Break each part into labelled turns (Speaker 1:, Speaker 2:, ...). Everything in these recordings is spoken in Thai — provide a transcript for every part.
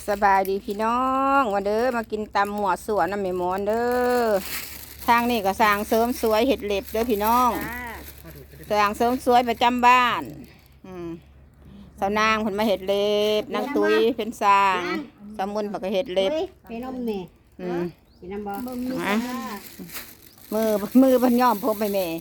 Speaker 1: สบายดีพี่น้องวันเด้อมากินตำหมวดสวนน้ำแม่หมอนเด้อทางนี่ก็สร้างเสริมสวยเห็ดเล็บเด้อพี่น้องสร้างเสริมสวยประจำบ้านสาวนางเพิ่นมาเห็ดเล็บนางตุ้ยเป็นสร้างสมุนเพิ่นก็เห็ดเล็บ
Speaker 2: ไปนมแม่กินน้ำบ่
Speaker 1: มือเพิ่นย่อมพบไปแม่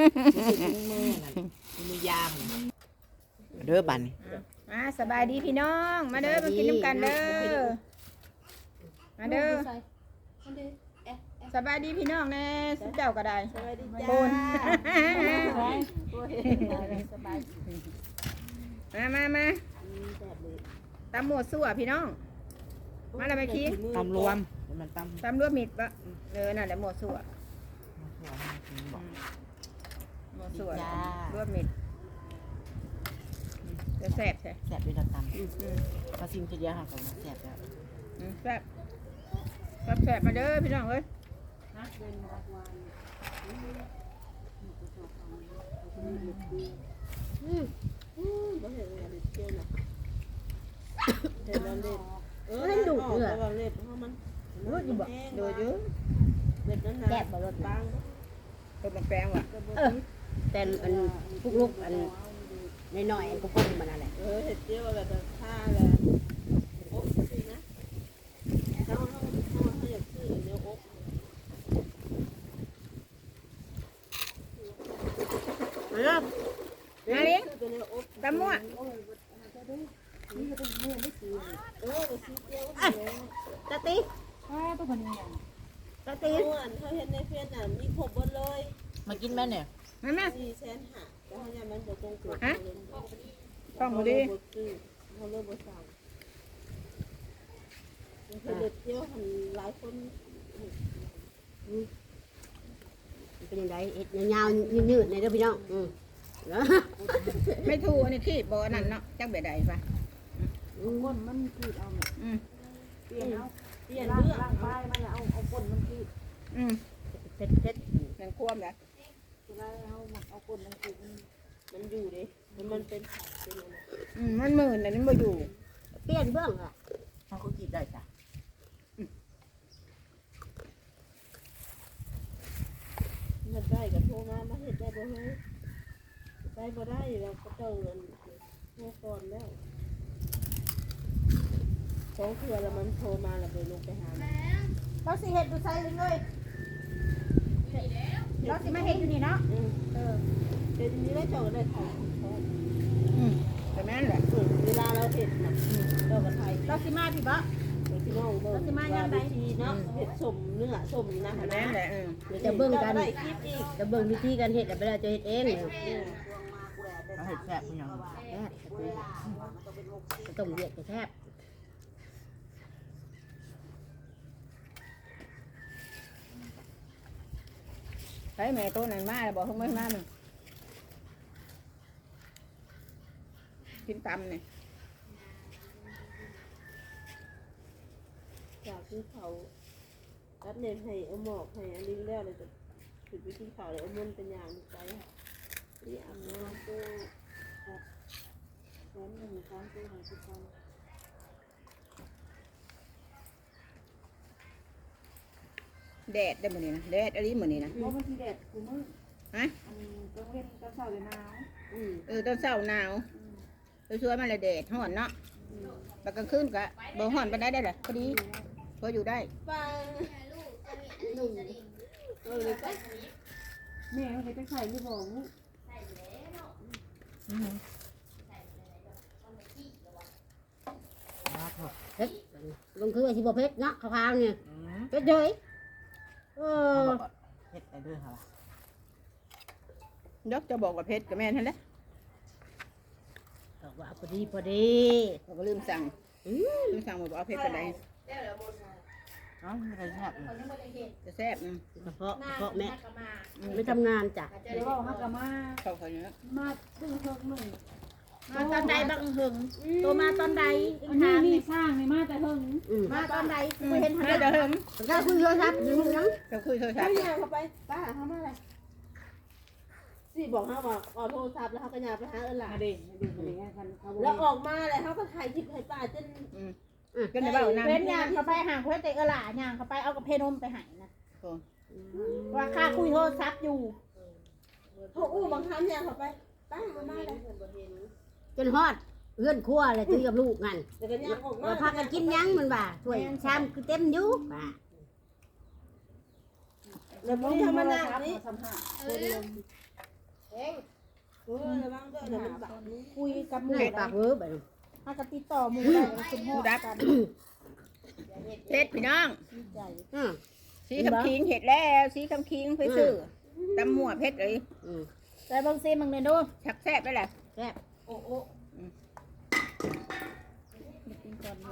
Speaker 3: มือยามเด้อบัน
Speaker 1: มาสบายดีพี่น้องมาเด้อมากินน้ำกันเด้อมาเด้อสบายดีพี่น้องแน่สุดเจ้าก็ได้สบายดีจ้ามาตำหมวดสั่วพี่น้องมาแล้วไปคิด
Speaker 3: ตำรวมมัน
Speaker 1: ตำรวมมิดปะนั่นแหละหมวดสั่วหมวดสั่วรวมมิดจะแซ่บใช่
Speaker 3: แซ่บด้วยเราตำมาซิมจะเยอะค่ะผมแซ่บแล้ว
Speaker 1: แซ่บมาเด้อพี่น้องเอ้ย
Speaker 2: ให้ดุเดือด
Speaker 1: ดูอยู่
Speaker 2: แซ่บบ่รสบาง
Speaker 1: ต้มแป้งว่ะ
Speaker 2: แต่อันพุกลุกอันน้อยๆอันกุ้งมันอะไร
Speaker 3: เห็ดเจียวแบบท่าเลยโอ๊ะสินะเขาอยากซื้อเนื้อโอ๊ะ
Speaker 1: มาเลี้ยงตำมั่ว
Speaker 2: ตะตีตะตี
Speaker 3: เขาเห็นในเฟซน่ะมีครบหมดเลยมากินแม่เนี่ย
Speaker 1: มา
Speaker 3: 450,000แล้วเขาเนี่ยมันจะตรงตัว
Speaker 1: ต้องมาดิ
Speaker 3: เขาเริ่มบริษัทเด็กเที่ยวทำหลายคน
Speaker 2: เป็นยังไงเอ็ดยาวๆยืดๆในเด้อพี่น้อง
Speaker 1: ไม่ถูกอันนี้ขี้บ่อนั่นเนาะจักเบ็ดใดปะ
Speaker 3: ก้นมันขีดเอาเปลี่ยนเรื่องร่างกายมันเอาก้นมันขีด
Speaker 2: เผ็ด
Speaker 1: นั่นควมแล้ว
Speaker 3: เวลาเอาก้นมันขีดมันอยู่ดิมันเป็นอะไร
Speaker 1: มันหมื่นแต่นี่บ่อยู่
Speaker 2: เปลี่ยนเบื้องอ่ะ
Speaker 3: เขาขีดได้จ้ะมันได้กับโทรมาเห็ดได้บ่เลยได้บ่ได้เราก็เจอเงินโทรก่อนแล้วสองเทื่อแล้วมันโทรมาแล้วไปลงไปหา
Speaker 1: เราสิเห็ดดูใส่เลยเราสิมาเห็ดอยู่นี่เนาะ
Speaker 3: เดี๋ยวนี้ได้เจอได้ถ่าย
Speaker 1: แต่แม่นแหละ
Speaker 3: เวลาเราเห็ดน่ะเราก็ถ่าย
Speaker 1: เราสิมาพี่บ่
Speaker 3: พี่น้องเบิ่งเราสิมาอย่างไรเนาะเห็ดสมเนื้อสมนะ
Speaker 1: แม่นแหละ
Speaker 2: จะเบิ่งกันจะเบิ่งวิธีการเห็ดแต่เวลาจะเห็ดเอง
Speaker 3: เราเห็ดแซ่บอย่าง
Speaker 2: ต้มเวียดจะแซ่บ
Speaker 1: ไปแม่ตัวนั้นมาแล้วบอกเพิ่งไม่มามึงกินตำเนี่ย
Speaker 3: จากที่เขาตัดเน้นให้เอาหมอกให้อันนี้แล้วเลยจะถึงวิธีเขาเลยเอามันเป็นอย่างไปที่อันนี้ตัวแขนหนึ่งครั้งตัวหางสิบครั้ง
Speaker 1: แดดได้หมดนี่นะแดดอะไรหมดนี่นะ
Speaker 3: เพราะมันที่แดดกูมึง
Speaker 1: ฮะ
Speaker 3: ต้องเล่นตอนเช้าเลยหนาว
Speaker 1: ตอนเช้าหนาวช่วยมันเลยแดดห่อนเนาะแต่กลางคืนก็บ่ห่อนไปได้เลยพอดีพออยู่ได้
Speaker 3: แม่เขาจะใส่ที่บอก
Speaker 2: เผ็ดลงคือไอ้ที่บ่เผ็ดเนาะข้าวๆเนี่ยเผ็ดเลย
Speaker 3: เผ็ดไปด้วยค่ะ
Speaker 1: ยกจะบอกว่าเพชรกับแม่ท่านแหละ
Speaker 2: บอกว่าพอดี
Speaker 1: เราก็ลืมสั่งบอกเอาเพชรกันได้
Speaker 3: ไม่แซ่บ
Speaker 1: จะแซ่บ
Speaker 2: เพราะแม่ไม่ทำงานจ้ะ
Speaker 3: เดี๋ยวฮักกะมา
Speaker 1: เขาเนี้ย
Speaker 3: มาตึ้งเฮิงหนึ่ง
Speaker 1: มาตอนใดบังหึงตัวมาตอนใด
Speaker 3: นี่สร้างนี่มาแต่เฮิง
Speaker 1: มาตอนใดคุยเห็นมาแต่เฮิง
Speaker 2: เราคุยโทรศัพท์อยู่นัง
Speaker 1: เราคุยโทรศัพท์
Speaker 3: เข้าไปป้าเขามาอะไรสิบอกเขาว่าออโทรศัพท์แล้วเขาก็ยาไปหาหลานแล้วออกมาเลยเขาก็ถ่ายคลิปให้ป้าจน
Speaker 1: ก็ได้เว้านำ
Speaker 4: เว้นยางเขาไปห่างเขาแต่หล่ายางเขาไปเอากับเพนมไปหายนะว่าค่าคุยโทรศัพท์อยู่
Speaker 3: เขาอู้บางครั้งเนี่ยเขาไปตั้งมาเลย
Speaker 2: จนฮอดเฮือนครัวเลยคุยกับลูกนั่น
Speaker 3: แต่ก็ย่างออกมา
Speaker 2: ว่าพากันกินยังมันว่าถ้วยชามคือเต็มอยู่ว่า
Speaker 3: แล้วมึงทำมาหน้านี้ระวังด้วยนะมันแบบนี้
Speaker 4: คุยกับห
Speaker 2: ห
Speaker 4: มู่
Speaker 2: น้าปากเวอร์แบบ
Speaker 4: ถ้าก็ติดต่อหมู่ได้แล้วคุณพ่อกัน
Speaker 1: เฮ็ดพี่น้อง
Speaker 4: ดีใจ
Speaker 1: สีคำคิงเห็ดแล้วสีคำคิงไปซื้อตำหมวดเพชรเลย
Speaker 4: แต่บางซีมึงเนี่ยดู
Speaker 1: ชักแซ่บได้แหละ
Speaker 2: แซ่บ
Speaker 3: โอ้โอ้
Speaker 4: กินก่อนเดือน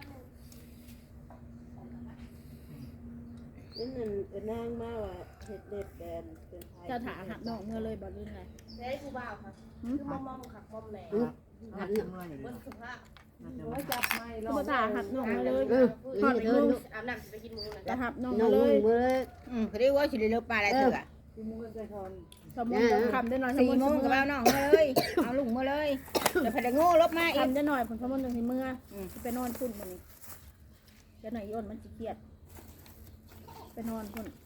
Speaker 3: นั่นนั่นเป็นนางมาว่าเห็ดเด็ดแดนเป็นไทย
Speaker 4: เจ้าถาหักนอกเมื่อเลยบอกลื่นไง
Speaker 3: ได้กูบ่าวค่ะคือมอมขับมอมแหล่
Speaker 2: หัน
Speaker 3: บนสุภาพ
Speaker 4: จับไม่เจ้าถาหักนอกมาเลย
Speaker 2: ทอดเทิน
Speaker 3: อาบน้ำไปกินมูน
Speaker 4: จะหักนอก
Speaker 2: น้อ
Speaker 4: มาง เล
Speaker 2: มื
Speaker 4: ย
Speaker 2: อมือ
Speaker 1: เขาเรียกว่าสิริเลปลาอะไรเถื่อ
Speaker 4: สมมติคำได้หน่อย
Speaker 1: 4 โมงกับเอาน้องมาเลยเอาลุงมาเลยแต่พนักโง่ลบมาอีก
Speaker 4: คำได้หน่อยผมสมมติถึงเมื่อไปนอนพุ่นมันนี่จะหน่อยย่นมันจะเครียดไปนอนพุ่น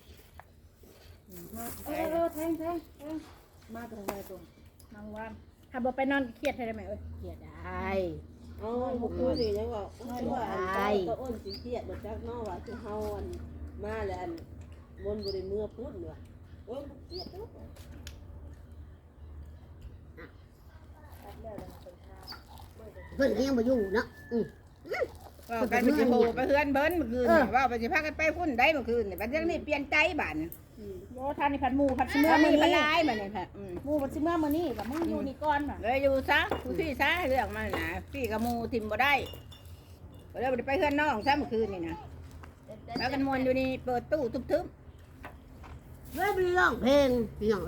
Speaker 4: แทงมาตรงไหนตรงนางว่านถ้าบอกไปนอนเครียดให้ได้ไหมเอ้ย
Speaker 2: เกลียดได้
Speaker 3: อ๋อบุกคือสิยังบอกว่าก็อ้นสิเครียดมาจากนอกว่าคือเฮาอันมาแล้วอันบนบริเมื่อพูดเนี่ยโอ้ยเครียดแล้ว
Speaker 2: เพิ่นก็ยังบ่อยู่เนาะ
Speaker 1: ว่ากันไปสิโหไปเฮือนเบิ้นเมื่อคืนว่าไปสิพากันไปพุ่นได้เมื่อคืนเนี่ยบัดนี้เปลี่ยนใจบ้าน
Speaker 4: โยทานในผัดหมูผัดเมื่อ
Speaker 1: มี
Speaker 4: มือ
Speaker 1: พ
Speaker 4: นี้
Speaker 1: ลายมาเนี่ยค่ะ
Speaker 4: หมูผัดเมื่อมือนี้กับมึงอยู่นี่ก่อนป่ะ
Speaker 1: เลยอยู่ซะผู้พี่ซะเรื่องมันนะพี่กับมูทิมบ่ได้ก็เลยไปเฮือนน้องซะเมื่อคืนนี่นะแล้วกันมวนอยู่นี่เปิดตู้ทุบ
Speaker 2: เว้ยบ่ร้องเพลงพี่น้อง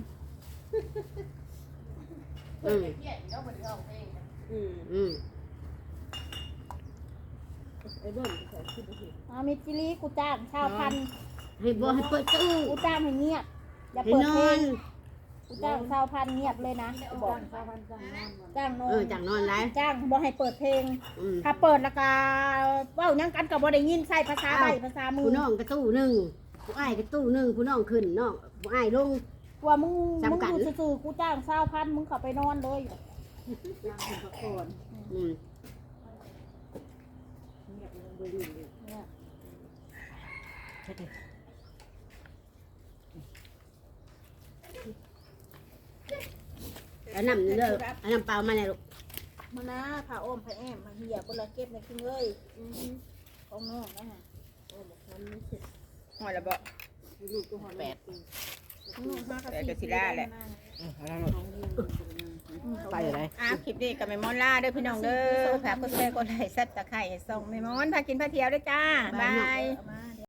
Speaker 3: ไอ้เบิ้ลใส่ขึ้นไปสิ
Speaker 4: มิจิลีกูจ้างชาวพัน
Speaker 2: ให้บ่ให้เปิดตู้
Speaker 4: กูจ้างให้เงียบอย่า
Speaker 2: ให้
Speaker 4: เปิด
Speaker 2: น
Speaker 4: เพล
Speaker 2: อง น
Speaker 4: กูจ้างชาวพันเงียบเลยนะกูบอกจ้างนอน
Speaker 2: จังนอนหลาย
Speaker 4: จ้างบอกให้เปิดเพลง ถ้าเปิดแล้วก็เว้ายังกันกับบ่ได้ยินใส่ภาษาใบภาษามื
Speaker 2: ผู้
Speaker 4: อ
Speaker 2: น้องก็ตู้นึงผู้อ้ายก็ตู้นึงผู้น้องขึ้นน้องผู้อ้ายลง
Speaker 4: ว่ามึง
Speaker 2: จำกัด
Speaker 4: อยู่ซื่อๆกูจ้างชาวพันมึงเข้าไปนอนเลย
Speaker 2: แล้วน้ำเด้อเอาน้ำเปล่ามาเลยลูก
Speaker 4: มานะผ่าอ้อมผ่าแอมมาเหี่ยบนละเก็บในกินเลยของน้องนะฮะ
Speaker 1: ๆหอยละบ่
Speaker 2: แปด
Speaker 1: แต่ก็สิได้แหละ
Speaker 2: ไปอะไร
Speaker 1: คลิปนี้กับแม่มอนล่าเด้อพี่น้องเด้อฝากกดแชร์กดไลค์ซับตะไคร้ส่งแม่มอนพากินพาเที่ยวด้วยจ้าบาย
Speaker 4: มา